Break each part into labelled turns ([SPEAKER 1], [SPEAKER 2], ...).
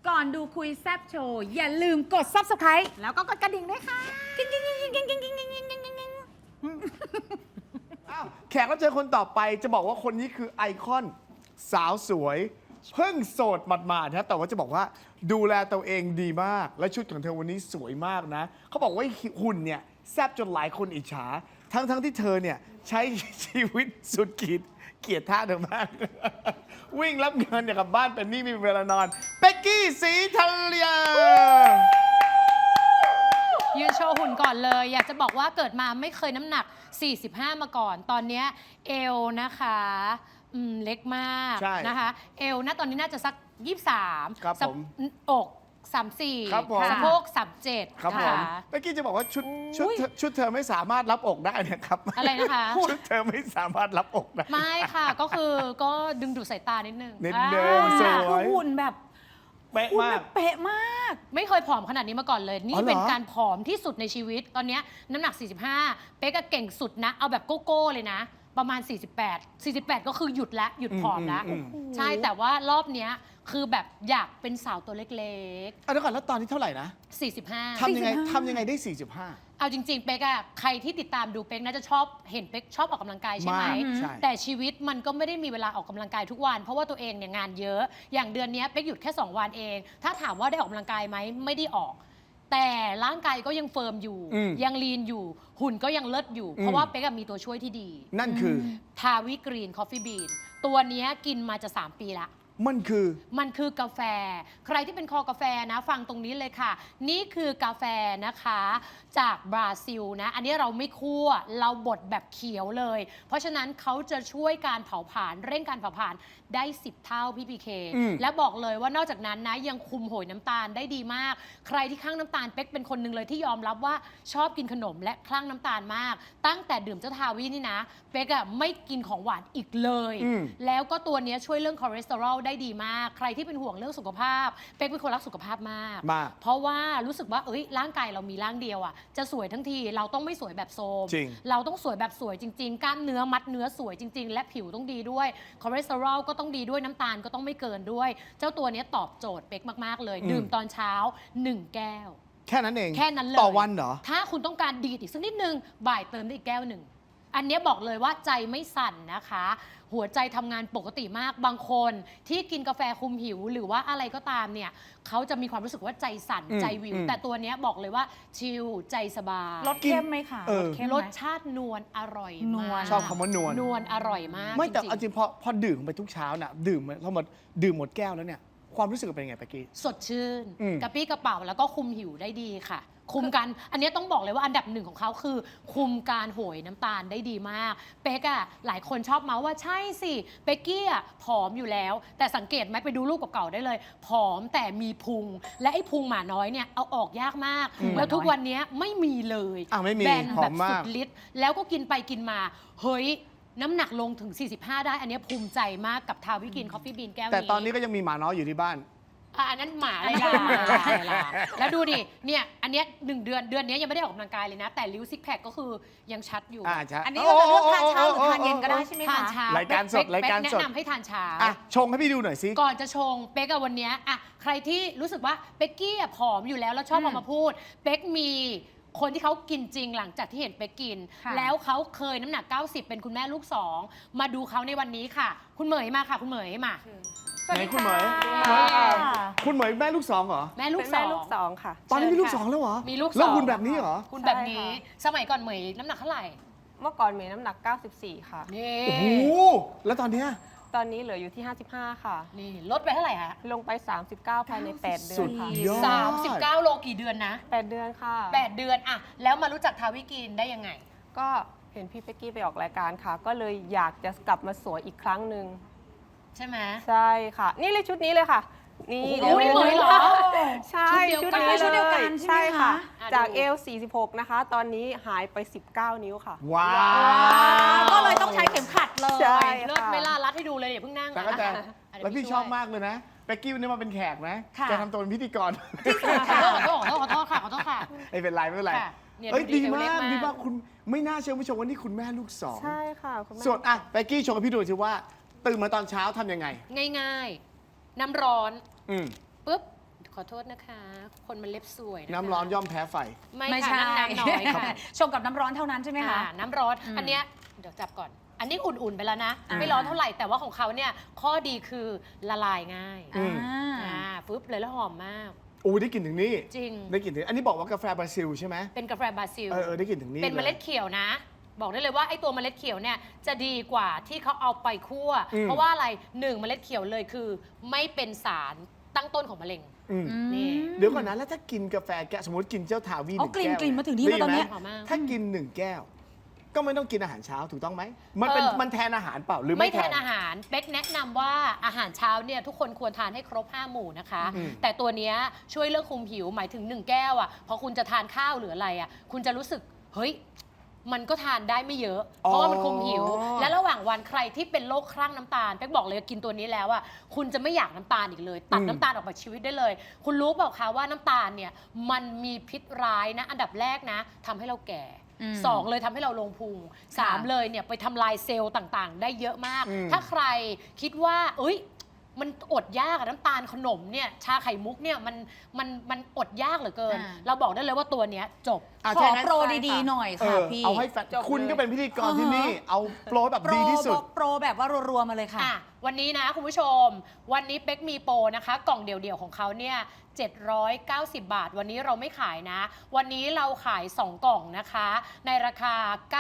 [SPEAKER 1] ก่อนดูคุยแซบโชว์อย่าลืมกด Subscribe
[SPEAKER 2] แล้วก็กดกระดิ่งด้วยค่ะ
[SPEAKER 1] กิ๊งกิ๊งกิ๊งกิ๊งกิ๊งกิ๊งกิ๊งกิ๊งกิ๊งกิ๊ง
[SPEAKER 3] แขกรับเชิญคนต่อไปจะบอกว่าคนนี้คือไอคอนสาวสวย เพิ่งโสดหมาดๆนะแต่ว่าจะบอกว่าดูแลตัวเองดีมาก และชุดของเธอวันนี้สวยมากนะ เขาบอกว่าหุ่นเนี่ยแซบจนหลายคนอิจฉา ทั้งที่เธอเนี่ยใช้ชีวิตสุดขีดเกลียดท่าเธอมาก วิ่งรับเงินเนี่ยกลับบ้านเป็นหนี่ไม่มีเวลานอนเป๊กกี้ศรีธัญญา
[SPEAKER 4] ยืนโชว์หุ่นก่อนเลย อยากจะบอกว่าเกิดมาไม่เคยน้ำหนัก 45 มาก่อน ตอนเนี้ยเอวนะคะเล็กมาก
[SPEAKER 3] ใช่
[SPEAKER 4] นะคะ เอวนะตอนนี้น่าจะสัก 23
[SPEAKER 3] ครับผม
[SPEAKER 4] อก
[SPEAKER 3] ครับผม
[SPEAKER 4] 34 สะโพก 37
[SPEAKER 3] ครับผมเป๊กกี้จะบอกว่าชุดเธอไม่สามารถรับอกได้นะครับ
[SPEAKER 4] อะไรนะคะ
[SPEAKER 3] ชุดเธอไม่สามารถรับอกได้
[SPEAKER 4] ไม่ค่ะ ก็ดึงดูดสายตานิดนึง
[SPEAKER 3] นิดนึง
[SPEAKER 4] อ่า
[SPEAKER 3] ส
[SPEAKER 1] คือ
[SPEAKER 3] วย
[SPEAKER 1] หุ่นแบบ
[SPEAKER 3] เป๊ะ
[SPEAKER 1] หุ่น
[SPEAKER 3] มา
[SPEAKER 1] แบ
[SPEAKER 3] ก
[SPEAKER 1] บเป๊ะมาก
[SPEAKER 4] ไม่เคยผอมขนาดนี้มาก่อนเลย นี่
[SPEAKER 3] อ๋อเหรอ
[SPEAKER 4] เป็นการผอมที่สุดในชีวิต ตอนเนี้ยน้ำหนัก 45 เป๊กก็เก่งสุดนะ เอาแบบโก้ๆเลยนะ ประมาณ 48 ก็คือหยุดแล้วหยุดผอมแล้ว ใช่แต่ว่ารอบเนี้ยคือแบบอยากเป็นสาวตัวเล็ก
[SPEAKER 3] เดี๋ยวก่อนแล้วตอนนี้เท่าไหร่นะ
[SPEAKER 4] ๆ 45
[SPEAKER 3] ทำยังไง
[SPEAKER 1] 45
[SPEAKER 3] ทำยังไงได้ 45
[SPEAKER 4] เอาจริงๆ เป๊กอะใครที่ติดตามดูเป๊กน่าจะชอบเห็นเป๊กชอบออกกำลังกายใช่ไหม
[SPEAKER 3] มากใช่
[SPEAKER 4] แต่ชีวิตมันก็ไม่ได้มีเวลาออกกำลังกายทุกวัน เพราะว่าตัวเองเนี่ยงานเยอะ อย่างเดือนนี้เป๊กหยุดแค่ 2 วันเอง ถ้าถามว่าได้ออกกำลังกายไหมไม่ได้ออก แต่ร่างกายก็ยังเฟิร์มอยู่ ยังลีนอยู่ หุ่นก็ยังเลิศอยู่ เพราะว่าเป๊กอะมีตัวช่วยที่ดี
[SPEAKER 3] นั่นคือ
[SPEAKER 4] ทาวิกรีนคอฟฟี่บีนตัวเนี้ยกินมาจะ 3 ปีละ
[SPEAKER 3] มันคือ
[SPEAKER 4] มันคือกาแฟ ใครที่เป็นคอกาแฟนะฟังตรงนี้เลยค่ะ นี่คือกาแฟนะคะจากบราซิลนะ อันนี้เราไม่คั่วเราบดแบบเขียวเลย เพราะฉะนั้นเขาจะช่วยการเผาผลาญเร่งการเผาผลาญได้ 10 เท่าพี่พีเค และบอกเลยว่านอกจากนั้นนะยังคุมโหยน้ำตาลได้ดีมาก ใครที่คลั่งน้ำตาลเป๊กเป็นคนหนึ่งเลยที่ยอมรับว่าชอบกินขนมและคลั่งน้ำตาลมาก ตั้งแต่ดื่มเจ้าทาวินี่นะเป๊กอะไม่กินของหวานอีกเลย แล้วก็ตัวเนี้ยช่วยเรื่องคอเลสเตอรอลได้ดีมาก ใครที่เป็นห่วงเรื่องสุขภาพ เป๊กเป็นคนรักสุขภาพมาก
[SPEAKER 3] มาก
[SPEAKER 4] เพราะว่ารู้สึกว่าร่างกายเรามีร่างเดียวอ่ะ จะสวยทั้งทีเราต้องไม่สวยแบบโทรม
[SPEAKER 3] จริง
[SPEAKER 4] เราต้องสวยแบบสวยจริง ๆ กล้ามเนื้อมัดเนื้อสวยจริง ๆ และผิวต้องดีด้วย คอเลสเตอรอลก็ต้องดีด้วย น้ำตาลก็ต้องไม่เกินด้วย เจ้าตัวเนี้ยตอบโจทย์เป๊กมาก ๆ เลย ดื่มตอนเช้า 1 แก้ว
[SPEAKER 3] แค่นั้นเอง
[SPEAKER 4] แค่นั้นเลย
[SPEAKER 3] ต่อวันเหรอ
[SPEAKER 4] ถ้าคุณต้องการดีดอีกสักนิดนึง บ่ายเติมได้อีกแก้วหนึ่ง อันเนี้ยบอกเลยว่าใจไม่สั่นนะคะ หัวใจทำงานปกติมาก บางคนที่กินกาแฟคุมหิวหรือว่าอะไรก็ตามเนี่ยเขาจะมีความรู้สึกว่าใจสั่นใจวิว แต่ตัวเนี้ยบอกเลยว่าชิลใจสบาย
[SPEAKER 1] รสเข้มไหมคะ
[SPEAKER 3] เออ
[SPEAKER 1] รสเข้มไหม
[SPEAKER 4] รสชาตินวลอร่อย
[SPEAKER 1] นว
[SPEAKER 4] มา
[SPEAKER 1] ล
[SPEAKER 4] ก
[SPEAKER 3] ชอบคำว่านวล
[SPEAKER 4] นวลอร่อยมาก
[SPEAKER 3] ไม่แต่
[SPEAKER 4] จริง
[SPEAKER 3] เอาจริงพอดื่มไปทุกเช้าน่ะดื่มเราหมดดื่มหมดแก้วแล้วเนี่ยความรู้สึกเป็นยังไงเป๊กกี้
[SPEAKER 4] ๆสดชื่น
[SPEAKER 3] อืม
[SPEAKER 4] กระปี้กระเป๋าแล้วก็คุมหิวได้ดีค่ะ คุมกันอันเนี้ยต้องบอกเลยว่าอันดับหนึ่งของเขาคือ คุมการโหยน้ำตาลได้ดีมากเป๊กอะหลายคนชอบเมาส์ว่าใช่สิเป๊กกี้อะผอมอยู่แล้ว แต่สังเกตไหมไปดูรูปเก่าๆได้เลยผอมแต่มีพุง และไอ้พุงหมาน้อยเนี่ยเอาออกยากมาก แล้วทุกวันเนี้ยไม่มีเลย
[SPEAKER 3] ไม่มี
[SPEAKER 4] แบน
[SPEAKER 3] ผอ
[SPEAKER 4] แบ
[SPEAKER 3] ม
[SPEAKER 4] บ
[SPEAKER 3] มา
[SPEAKER 4] สุ
[SPEAKER 3] ก
[SPEAKER 4] ดฤทธิ์แล้วก็กินไปกินมาเฮ้ยน้ำหนักลงถึง 45 ได้อันเนี้ยภูมิใจมากกับทาวิกินคอฟฟี่บีนแก้วนี้
[SPEAKER 3] แต่ตอนนี้ก็ยังมีหมาน้อยอยู่ที่บ้าน
[SPEAKER 4] อันนั้นหมาอะไรล่ะแล้วดูดิ เนี่ย อันเนี้ย1 เดือนนี้ยังไม่ได้ออกกำลังกายเลยนะ แต่ริ้วซิกแพคก็คือยังชัดอยู่
[SPEAKER 3] ใช่
[SPEAKER 1] อันนี้เราจะเลือกทานเช้าหรือทานเย็นก็ได้ใช่ไหม
[SPEAKER 4] ทาน
[SPEAKER 1] คะ
[SPEAKER 4] เช้าร
[SPEAKER 3] ายการสด
[SPEAKER 4] เป๊
[SPEAKER 3] รายการสด
[SPEAKER 4] แนะนำให้ทานเช้า
[SPEAKER 3] อ่ะชงให้พี่ดูหน่อยสิ
[SPEAKER 4] ก่อนจะชงเป๊กอะวันเนี้ยอะใครที่รู้สึกว่าเป๊กกี้อะผอมอยู่แล้วแล้วชอบเอามาพูด เป๊กมีคนที่เขากินจริงหลังจากที่เห็นเป๊กกิน
[SPEAKER 1] ค่ะ
[SPEAKER 4] แล้วเขาเคยน้ำหนัก 90 เป็นคุณแม่ลูก 2 มาดูเขาในวันนี้ค่ะ คุณเหมยมาค่ะ คุณเหมยมา
[SPEAKER 3] ไหนคุณเหมย
[SPEAKER 1] ค่ะ
[SPEAKER 3] คุณเหมยแม่ลูกสองเหรอ
[SPEAKER 4] แม่ลูก
[SPEAKER 2] เป็น
[SPEAKER 4] สอ
[SPEAKER 2] แม่
[SPEAKER 4] ง
[SPEAKER 2] ลูกสองค่ะ
[SPEAKER 3] ตอนนี้มีลูก
[SPEAKER 4] เชิญ
[SPEAKER 3] สอ
[SPEAKER 4] ค่ะ
[SPEAKER 3] งแล้วเหรอ
[SPEAKER 4] มีลูก
[SPEAKER 3] แล้ว
[SPEAKER 4] สอง
[SPEAKER 3] คุณแบบนี้เหรอ
[SPEAKER 4] คุณแบบนี้
[SPEAKER 2] ใช่ค่ะ
[SPEAKER 4] สมัยก่อนเหมยน้ำหนักเท่าไหร่
[SPEAKER 2] เมื่อก่อนเมย์น้ำหนัก 94 ค่ะ
[SPEAKER 4] นี่
[SPEAKER 3] โอ้โหแล้วตอนเนี้ย
[SPEAKER 2] ตอนนี้เหลืออยู่ที่ 55 ค่ะ
[SPEAKER 4] นี่ลดไปเท่าไหร่ฮะ
[SPEAKER 2] ลงไป 39 ภายใน 8 เดื
[SPEAKER 3] สุ
[SPEAKER 2] อน
[SPEAKER 3] ด
[SPEAKER 2] ค่ะ
[SPEAKER 3] ยอด
[SPEAKER 4] 39 โลกี่เดือนนะ
[SPEAKER 2] 8 เดือนค่ะ
[SPEAKER 4] 8 เดือนอะแล้วมารู้จักทาวิกินได้ยังไง
[SPEAKER 2] ก็เห็นพี่เป๊กกี้ไปออกรายการค่ะ ก็เลยอยากจะกลับมาสวยอีกครั้งหนึ่ง
[SPEAKER 4] ใช่ไหม
[SPEAKER 2] ใช่ค่ะ นี่เลยชุดนี้เลยค่ะ นี่
[SPEAKER 4] โอ้โหเหมือนเหรอ
[SPEAKER 2] ใช่
[SPEAKER 4] ชุดเดียวกัน
[SPEAKER 2] นี้
[SPEAKER 1] ชุดเดียวกันใช่ไหมคะ
[SPEAKER 2] ค่ะ
[SPEAKER 4] อ่ะ
[SPEAKER 2] จาก
[SPEAKER 4] ดู
[SPEAKER 2] เอล 46 นะคะ ตอนนี้หายไป 19 นิ้วค่ะ
[SPEAKER 3] ว้าว
[SPEAKER 1] ก็เลยต้องใช้เข็มขัดเลย
[SPEAKER 2] ใช่
[SPEAKER 4] เลิศไม่ล่ารัดให้ดูเลยอย่าเพิ่งนั่ง
[SPEAKER 3] แต่ก็จะ
[SPEAKER 4] อ่ะเดี๋ย
[SPEAKER 3] แล้วพี่
[SPEAKER 4] ช่ย
[SPEAKER 3] ชอบมากเลยนะเป๊กกี้วันนี้มาเป็นแขกนะ
[SPEAKER 1] ค่ะ
[SPEAKER 3] จะทำตัวเป็นพิธีกร
[SPEAKER 4] ขอโทษค่ะขอโทษค่ะ
[SPEAKER 3] ไม่เป็นไรไม่เป็นไร
[SPEAKER 4] ค่ะเนี่ย
[SPEAKER 3] เอ้ย
[SPEAKER 4] ดูดี
[SPEAKER 3] ดี
[SPEAKER 4] เอวเล็
[SPEAKER 3] มาก
[SPEAKER 4] กมาก
[SPEAKER 3] ดีมากคุณไม่น่าเชื่อผู้ชมว่านี่คุณแม่ลูกสอง
[SPEAKER 2] ใช่ค่ะคุณแม่
[SPEAKER 3] ส่วนอ่ะเป๊กกี้โชว์ให้พี่ดูสิว่า ตื่นมาตอนเช้าทำยังไง
[SPEAKER 4] ง่ายๆ น้ำร้อน
[SPEAKER 3] อืม
[SPEAKER 4] ปุ๊บขอโทษนะคะ คนมันเล็บสวยะคะ
[SPEAKER 3] น้ำร้อนย่อมแพ้ไฟ
[SPEAKER 4] ไม่
[SPEAKER 1] ไม่
[SPEAKER 4] ค่ะ
[SPEAKER 1] ใช่
[SPEAKER 4] น้ำน้อยค่ะ
[SPEAKER 1] ชงกับน้ำร้อนเท่านั้นใช่ไหมคะ
[SPEAKER 4] น้ำร้อน
[SPEAKER 1] อืม
[SPEAKER 4] อันเนี้ยเดี๋ยวจับก่อน อันนี้อุ่นๆไปแล้วนะ
[SPEAKER 1] อ่า
[SPEAKER 4] ไม่ร้อนเท่าไหร่แต่ว่าของเขาเนี่ยข้อดีคือละลายง่าย
[SPEAKER 3] อืม
[SPEAKER 4] ฟึบเลยแล้วหอมมาก
[SPEAKER 3] โอ้ได้กลิ่นถึงนี่
[SPEAKER 4] จริง
[SPEAKER 3] ได้กลิ่นถึงอันนี้บอกว่ากาแฟบราซิลใช่ไหม
[SPEAKER 4] เป็นกาแฟบราซิล
[SPEAKER 3] ได้กลิ่นถึงนี่
[SPEAKER 4] เป็นเมล็ด
[SPEAKER 3] ย
[SPEAKER 4] เขียวนะ บอกได้เลยว่าไอ้ตัวเมล็ดเขียวเนี่ยจะดีกว่าที่เขาเอาไปคั่ว
[SPEAKER 3] อืม
[SPEAKER 4] เพราะว่าอะไรหนึ่งเมล็ดเขียวเลยคือ ไม่เป็นสารตั้งต้นของมะเร็ง
[SPEAKER 3] อืม
[SPEAKER 4] นี่
[SPEAKER 3] เดี๋ยวก่อนนะแล้วถ้ากินกาแฟแก้วสมมติกินเจ้าทาวีห
[SPEAKER 1] เอา
[SPEAKER 3] นึ่ง
[SPEAKER 1] กลิ่น
[SPEAKER 3] แก้ว
[SPEAKER 1] กลิ่นมาถึงนี่
[SPEAKER 3] ได้
[SPEAKER 1] แล้วตอนเนี้ย
[SPEAKER 3] ไหม
[SPEAKER 4] หอมมาก
[SPEAKER 3] ถ้ากิน1 แก้ว ก็ไม่ต้องกินอาหารเช้าถูกต้องไหมมันเป็น
[SPEAKER 4] เออ
[SPEAKER 3] มันแทนอาหารเปล่าหรือ
[SPEAKER 4] ไม่
[SPEAKER 3] ไม่
[SPEAKER 4] แทนอาหารเป๊กแนะนำว่าอาหารเช้าเนี่ยทุกคนควรทานให้ครบ 5 หมู่นะคะ
[SPEAKER 3] อืม
[SPEAKER 4] แต่ตัวเนี้ยช่วยเรื่องคุมหิวหมายถึง 1 แก้วอ่ะพอคุณจะทานข้าวหรืออะไรอ่ะคุณจะรู้สึกเฮ้ยมันก็ทานได้ไม่เยอะ เพราะว่ามันคุมหิว และระหว่างวันใครที่เป็นโรคคลั่งน้ำตาลเป๊กบอกเลยกินตัวนี้แล้วอ่ะคุณจะไม่อยากน้ำตาลอีกเลย ตัดน้ำตาลออกจากชีวิตได้เลย คุณรู้เปล่าคะว่าน้ำตาลเนี่ยมันมีพิษร้ายนะอันดับแรกนะทำให้เราแก่
[SPEAKER 1] อืม
[SPEAKER 4] 2 เลยทำให้เราลงพุง 3 เลยเนี่ยไปทำลายเซลล์ต่างๆ ได้เยอะมาก
[SPEAKER 3] อืม
[SPEAKER 4] ถ้าใครคิดว่าเอ้ยมันอดยากอะน้ำตาลขนมเนี่ยชาไข่มุกเนี่ยมันอดยากเหลือเกิน
[SPEAKER 1] อ่า
[SPEAKER 4] เราบอกได้เลยว่าตัวเนี้ยจบ
[SPEAKER 3] อ่ะ
[SPEAKER 1] ขอ
[SPEAKER 3] ถ้างั้น
[SPEAKER 1] โปรดีๆหน่อยค่ะพี่
[SPEAKER 3] เอาให้แฟน
[SPEAKER 2] จบเลย
[SPEAKER 3] คุณก็เป็นพิธีกรที่นี่ เอาโปรแบบ
[SPEAKER 1] โปร
[SPEAKER 3] ดีที่สุด
[SPEAKER 1] โปรแบบว่ารัวๆมาเลยค่ะ
[SPEAKER 4] อ่ะวันนี้นะคุณผู้ชม วันนี้เป๊กมีโปรนะคะ กล่องเดี่ยวๆของเขาเนี่ย790 บาท วันนี้เราไม่ขายนะ วันนี้เราขาย 2 กล่องนะคะ ในราคา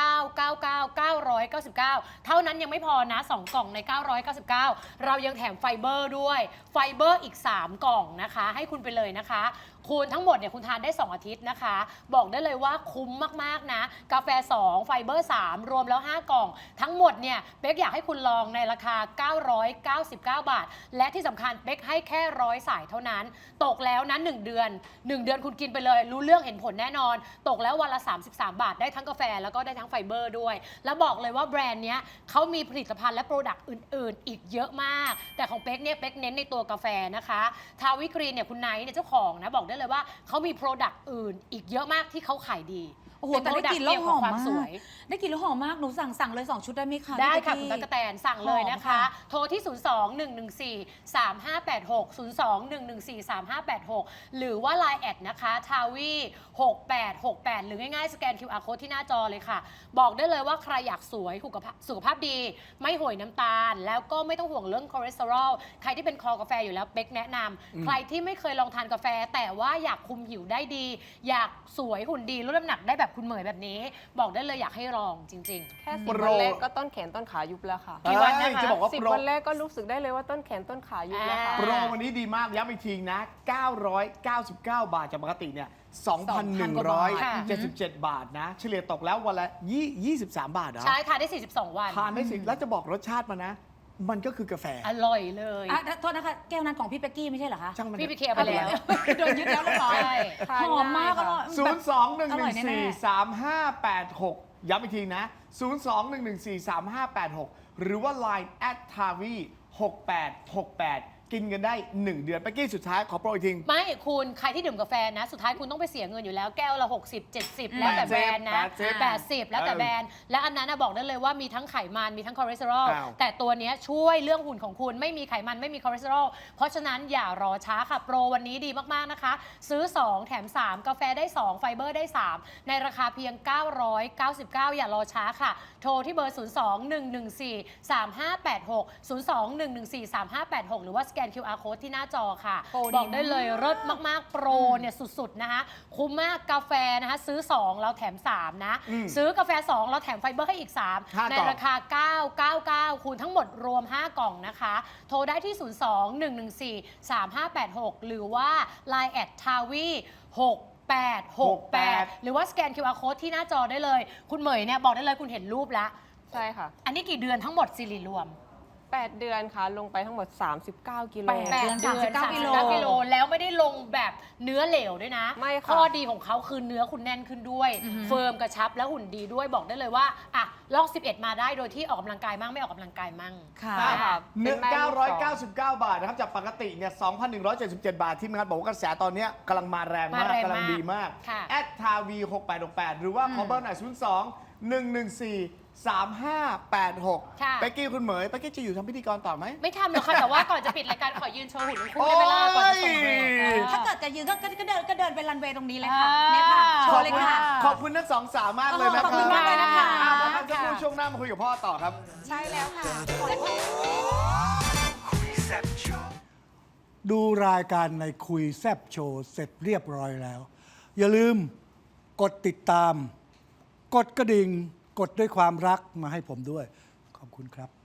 [SPEAKER 4] 999 เท่านั้นยังไม่พอนะ 2 กล่องใน 999 เรายังแถมไฟเบอร์ด้วย ไฟเบอร์อีก 3 กล่องนะคะ ให้คุณไปเลยนะคะ คุณทั้งหมดเนี่ยคุณทานได้ 2 อาทิตย์นะคะ บอกได้เลยว่าคุ้มมากๆนะ กาแฟ 2 ไฟเบอร์ 3 รวมแล้ว 5 กล่อง ทั้งหมดเนี่ยเป๊กอยากให้คุณลองในราคา 999 บาท และที่สำคัญเป๊กให้แค่100 สายเท่านั้น ตกแล้วนะ1 เดือน 1 เดือนคุณกินไปเลย รู้เรื่องเห็นผลแน่นอน ตกแล้ววันละ 33 บาทได้ทั้งกาแฟแล้วก็ได้ทั้งไฟเบอร์ด้วย แล้วบอกเลยว่าแบรนด์เนี้ยเขามีผลิตภัณฑ์และโปรดักต์อื่นๆ อีกเยอะมาก แต่ของเป๊กเนี่ยเป๊กเน้นในตัวกาแฟนะคะทาวิกรีนเนี่ยคุณไนท์เนี่ยเจ้าของนะบอกได้เลยว่าเขามีโปรดักต์อื่นอีกเยอะมากที่เขาขายดี
[SPEAKER 1] โอ้โห
[SPEAKER 4] เป็น
[SPEAKER 1] แต่ได้กลิ่นแล้ว
[SPEAKER 4] product
[SPEAKER 1] หอม
[SPEAKER 4] เกี่ยวกับความ
[SPEAKER 1] มาก
[SPEAKER 4] สวย
[SPEAKER 1] ได้กลิ่นแล้วหอมมาก หนูสั่งเลย 2 ชุดได้ไหมคะ
[SPEAKER 4] ได้ค่ะ
[SPEAKER 1] พี่
[SPEAKER 4] คุณตั๊กกะแตนสั่งเลยนะคะ
[SPEAKER 1] หอมค่ะ
[SPEAKER 4] โทรที่ 02-114-3586 02-114-3586 หรือว่า Line แอดนะคะทาวี6868 หรือง่ายๆ สแกน QR code ที่หน้าจอเลยค่ะ บอกได้เลยว่าใครอยากสวยสุขภาพดี ไม่ห่วยน้ำตาล แล้วก็ไม่ต้องห่วงเรื่องคอเลสเตอรอลใครที่เป็นคอกาแฟอยู่แล้วเป๊กแนะนำใครที่ไม่เคยลองทานกาแฟ แต่ว่าอยากคุมหิวได้ดี อยากสวยหุ่นดีลดน้ำหนักได้แบบคุณเหมยแบบนี้ บอกได้เลยอยากให้ลองจริง
[SPEAKER 2] แค่
[SPEAKER 3] โป
[SPEAKER 2] 10
[SPEAKER 3] ร
[SPEAKER 2] วันแรกก็ต้นแขนต้นขายุบแล้วค่ะ
[SPEAKER 4] กี่วันนะคะ
[SPEAKER 3] จะบอกว่า
[SPEAKER 2] สิบ
[SPEAKER 3] โปร
[SPEAKER 2] วันแรกก็รู้สึกได้เลยว่าต้นแขนต้นขายุบแล้วค่ะ
[SPEAKER 3] โปรวันนี้ดีมากย้ำอีกทีนะ 999 บาทจากปกติเนี่ย 2,177 บาทนะ เฉลี่ยตกแล้ววันละ23 บาทเหร
[SPEAKER 4] ๆ
[SPEAKER 3] อ
[SPEAKER 4] ใช่ทานได้ 42 วัน
[SPEAKER 3] ทานได้สิแล้วจะบอกรสชาติมานะ มันก็คือกาแฟ
[SPEAKER 4] อร่อยเลย
[SPEAKER 1] อ่ะโทษนะคะ แก้วนั้นของพี่เป๊กกี้ไม่ใช่เหรอคะ
[SPEAKER 3] ช่างมัน
[SPEAKER 4] พี่ไปเคลียร์ไปแล้ว
[SPEAKER 1] โดนยึดแล้วเรียบร้อย
[SPEAKER 4] ใช่
[SPEAKER 2] ทาน
[SPEAKER 1] หอมมาก
[SPEAKER 2] ง่าย
[SPEAKER 1] อ
[SPEAKER 2] ค่ะ
[SPEAKER 1] ร่อย
[SPEAKER 3] 0
[SPEAKER 1] แบบ
[SPEAKER 3] 2 1
[SPEAKER 1] อร่อย
[SPEAKER 3] 1
[SPEAKER 1] แน่
[SPEAKER 3] 4 3 5 8 6 ย้ำอีกทีนะ 0 2 1 1 4 3 5 8 6 หรือว่า Line @tavi 6868 กินกันได้ 1 เดือนไปกี้สุดท้ายขอโปรอีกที
[SPEAKER 4] ไม่คุณใครที่ดื่มกาแฟนะ สุดท้ายคุณต้องไปเสียเงินอยู่แล้วแก้วละ 60 70 แล้วแต่แบรนด์นะ 80 แล้วแต่แบรนด์ และอันนั้นนะบอกได้เลยว่ามีทั้งไขมันมีทั้งคอเลสเตอรอล
[SPEAKER 3] อ้าว
[SPEAKER 4] แต่ตัวเนี้ยช่วยเรื่องหุ่นของคุณไม่มีไขมันไม่มีคอเลสเตอรอลเพราะฉะนั้นอย่ารอช้าค่ะ โปรวันนี้ดีมากๆนะคะ ซื้อ 2 แถม 3 กาแฟได้ 2 ไฟเบอร์ได้ 3 ในราคาเพียง 999 อย่ารอช้าค่ะ โทรที่เบอร์ 02-114-3586 02-114-3586 หรือว่าสแกน QR code ที่หน้าจอค่ะ
[SPEAKER 1] โปรดี
[SPEAKER 4] บอกได้เลย
[SPEAKER 1] มาก
[SPEAKER 4] เลิศมากๆ โปรเนี่ยสุดๆ นะคะ คุ้มมากกาแฟนะคะ ซื้อ 2 เราแถม 3 นะ
[SPEAKER 3] อืม
[SPEAKER 4] ซื้อกาแฟ 2 เราแถมไฟเบอร์ให้อีก
[SPEAKER 3] ห้า
[SPEAKER 4] 3
[SPEAKER 3] กล่อง
[SPEAKER 4] ในราคา 999 คูณทั้งหมดรวม 5 กล่องนะคะ โทรได้ที่ 02-114-3586 หรือว่า Line แอดทาวี6868 หรือว่าสแกน QR code ที่หน้าจอได้เลย คุณเหมยเนี่ยบอกได้เลยคุณเห็นรูปแล้ว
[SPEAKER 2] ใช่ค่ะ
[SPEAKER 4] อันนี้กี่เดือนทั้งหมดสิริรวม
[SPEAKER 2] 8 เดือนค่ะ ลงไปทั้งหมด 39 กิโล
[SPEAKER 1] แปด เดือน39กิโล
[SPEAKER 4] 39กิโลแล้วไม่ได้ลงแบบเนื้อเหลวด้วยนะ
[SPEAKER 2] ไม่ค่ะ
[SPEAKER 4] ข้อดีของเขาคือเนื้อคุณแน่นขึ้นด้วย เฟิร์มกระชับและหุ่นดีด้วยบอกได้เลยว่าอ่ะลอก 11 มาได้โดยที่ออกกำลังกายมั่งไม่ออกกำลังกายมั่ง
[SPEAKER 1] ค่ะ
[SPEAKER 2] ใช่ค่ะ
[SPEAKER 3] หนึ่ง
[SPEAKER 2] เป็นแม่ลูกสอง
[SPEAKER 3] 999 บาทนะครับ จากปกติเนี่ย2,177 บาท ที่มงานบอกว่ากระแสตอนเนี้ยกำลังมาแรงมาก
[SPEAKER 4] มาแรงมาก
[SPEAKER 3] กำลังดีมาก
[SPEAKER 4] ค่ะ
[SPEAKER 3] ทาวี6868 หรือว่าขอเบอร์หน่อย02 114 3586
[SPEAKER 4] ค่ะ
[SPEAKER 3] เป๊กกี้คุณเหมยเป๊กกี้จะอยู่ทำพิธีกรต่อไหม
[SPEAKER 4] ไม่ทำหรอกค่ะ แต่ว่าก่อนจะปิดรายการขอยืนโชว์หุ่นของคุณได้เวลาก่อนจะส่งเบรก
[SPEAKER 3] โอ้ย
[SPEAKER 1] ถ้าจะยืนก็เดินไปรันเวย์ตรงนี้เลยค่ะเนี่ยค่ะโช
[SPEAKER 3] ขอบ
[SPEAKER 1] ว์เลย
[SPEAKER 3] คุณ
[SPEAKER 1] ค่ะ
[SPEAKER 3] ขอบคุณทั้งสองสาวมากเลยนะ
[SPEAKER 1] ขอบ
[SPEAKER 3] ค
[SPEAKER 1] คุ
[SPEAKER 3] รับ
[SPEAKER 1] ณมากเลยนะคะ
[SPEAKER 3] พักกันสักครู่ช่วงหน้ามาคุยกับพ่อต่อครับ
[SPEAKER 1] ใช่แล้วค่ะ
[SPEAKER 5] ดูรายการในคุยแซบโชว์เสร็จเรียบร้อยแล้ว อย่าลืมกดติดตาม กดกระดิ่ง กดด้วยความรักมาให้ผมด้วย ขอบคุณครับ